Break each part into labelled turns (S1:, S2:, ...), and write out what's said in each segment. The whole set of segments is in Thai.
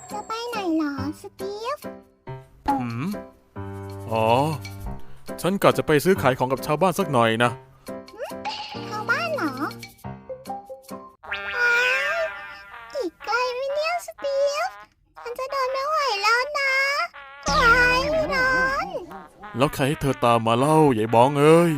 S1: จะไปไหนหรอสตีฟ
S2: อ๋อฉันกะจะไปซื้อขายของกับชาวบ้านสักหน่อยนะ
S1: ชาวบ้านเหรอว้าวอีกไกลไหมเนี่ยสตีฟฉันจะเดินไม่ไหวแล้วนะว้ายร้อน
S2: แล้วใครให้เธอตามมาเล่าใหญ่บ้องเอ้ย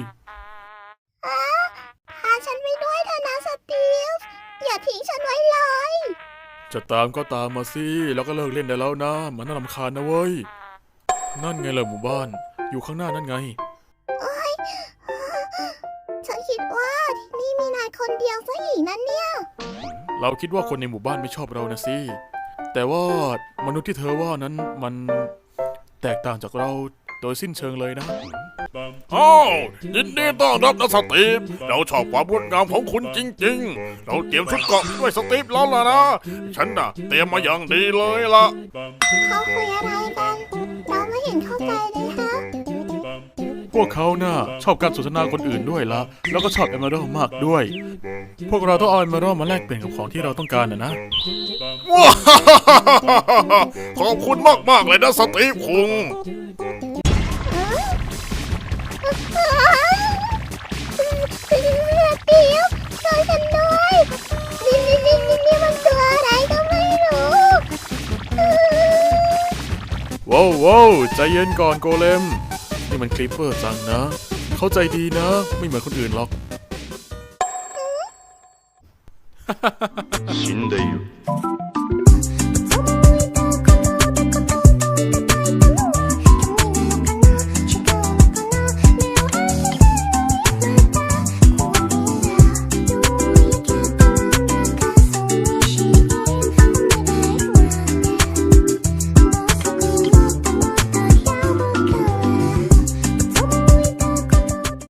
S1: พาฉันไปด้วยเถอะนะสตีฟอย่าทิ้งฉันไว้เลย
S2: จะตามก็ตามมาสิแล้วก็เลิกเล่นได้แล้วนะมันน่ารำคาญนะเว้ยนั่นไงล่ะหมู่บ้านอยู่ข้างหน้านั่นไง
S1: ฉันคิดว่าที่นี่มีนายคนเดียวซะอีกนั่นเนี่ย
S2: เราคิดว่าคนในหมู่บ้านไม่ชอบเรานะสิแต่ว่ามนุษย์ที่เธอว่านั้นมันแตกต่างจากเราโดยสิ้นเชิงเลยนะ
S3: อ้าวยินดีต้อนรับนะสตีฟเราชอบความงดงามของคุณจริงๆเราเตรียมชุดเกราะด้วยสตีฟแล้วล่ะนะฉันน่ะเตรียมมาอย่างดีเลยล่ะ
S1: เขาคุยอะไรกันเราไม่เห็นเข้าใจเลยฮะ
S2: พวกเขาน่ะชอบการสนทนาคนอื่นด้วยละแล้วก็ชอบเอเมอรัลมากด้วยพวกเราต้องเอาเอเมอรัลมาแลกเปลี่ยนกับของที่เราต้องการนะ
S3: ว้าขอบคุณมากๆเลยนะสตีฟคุง
S1: สตีฟช่วยฉันด้วยนี่มันตัวอะไรก็ไม่รู้
S2: ว้าวใจเย็นก่อนโกเลมนี่มันคลิปเปอร์จังนะเขาใจดีนะไม่เหมือนคนอื่นหรอก
S3: 死んでいる